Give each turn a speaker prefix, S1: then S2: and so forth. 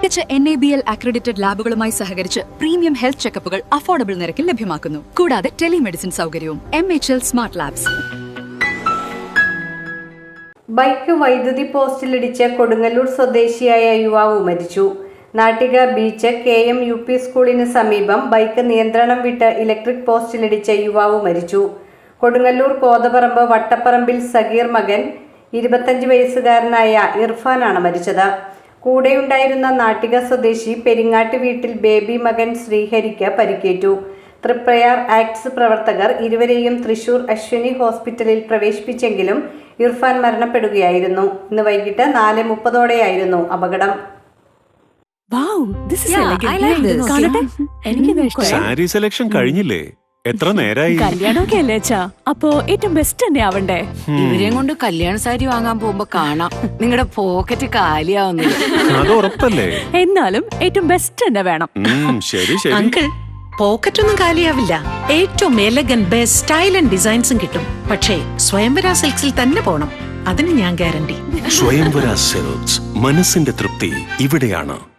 S1: മികച്ച NABL accredited ലാബുകളുമായി സഹകരിച്ച് premium health ചെക്കപ്പുകൾ affordable നിരക്കിൽ ലഭ്യമാക്കുന്നു. കൂടാതെ ടെലിമെഡിസിൻ സൗകര്യവും. MHL smart labs.
S2: ബൈക്ക് വൈദ്യുതി പോസ്റ്റിലിടിച്ച് കൊടുങ്ങല്ലൂർ സ്വദേശിയായ യുവാവ് മരിച്ചു. നാട്ടിക ബീച്ച് KM UP സ്കൂളിന് സമീപം ബൈക്ക് നിയന്ത്രണം വിട്ട് ഇലക്ട്രിക് പോസ്റ്റിലിടിച്ച യുവാവ് മരിച്ചു. കൊടുങ്ങല്ലൂർ കോതപറമ്പ് വട്ടപ്പറമ്പിൽ സഗീർ മകൻ 25 വയസ്സുകാരനായ ഇർഫാനാണ് മരിച്ചത്. കൂടെയുണ്ടായിരുന്ന നാട്ടിക സ്വദേശി പെരിങ്ങാട്ട് വീട്ടിൽ ബേബി മകൻ ശ്രീഹരിക്ക് പരിക്കേറ്റു. തൃപ്രയാർ ആക്ട്സ് പ്രവർത്തകർ ഇരുവരെയും തൃശൂർ അശ്വിനി ഹോസ്പിറ്റലിൽ പ്രവേശിപ്പിച്ചെങ്കിലും ഇർഫാൻ മരണപ്പെടുകയായിരുന്നു. ഇന്ന് വൈകിട്ട് 4:30 അപകടം.
S3: സാരി സെലക്ഷൻ കഴിഞ്ഞില്ലേ? എത്ര നേരായി?
S4: കല്യാണമൊക്കെ അല്ലേ അച്ഛാ, അപ്പോ ഏറ്റവും ബെസ്റ്റ് തന്നെ ആവണ്ടേ?
S5: ഇവരെയും കൊണ്ട് കല്യാണ സാരി വാങ്ങാൻ പോകുമ്പോ കാണാം നിങ്ങളുടെ പോക്കറ്റ് കാലിയാവുന്നത്.
S3: അത് ഉറപ്പല്ലേ?
S4: എന്നാലും ഏറ്റവും ബെസ്റ്റ് തന്നെ വേണം.
S3: ശരി ശരി.
S6: അങ്കിൾ, പോക്കറ്റ് ഒന്നും കാലിയാവില്ല. ഏറ്റവും എലഗൻ ബെസ്റ്റ് സ്റ്റൈൽ ആൻഡ് ഡിസൈൻസും കിട്ടും. പക്ഷേ സ്വയംവര സിൽക്സിൽ തന്നെ പോണം. അതിന് ഞാൻ ഗ്യാരണ്ടി.
S3: സ്വയംവര സിൽക്സ്, മനസ്സിന്റെ തൃപ്തി ഇവിടെയാണ്.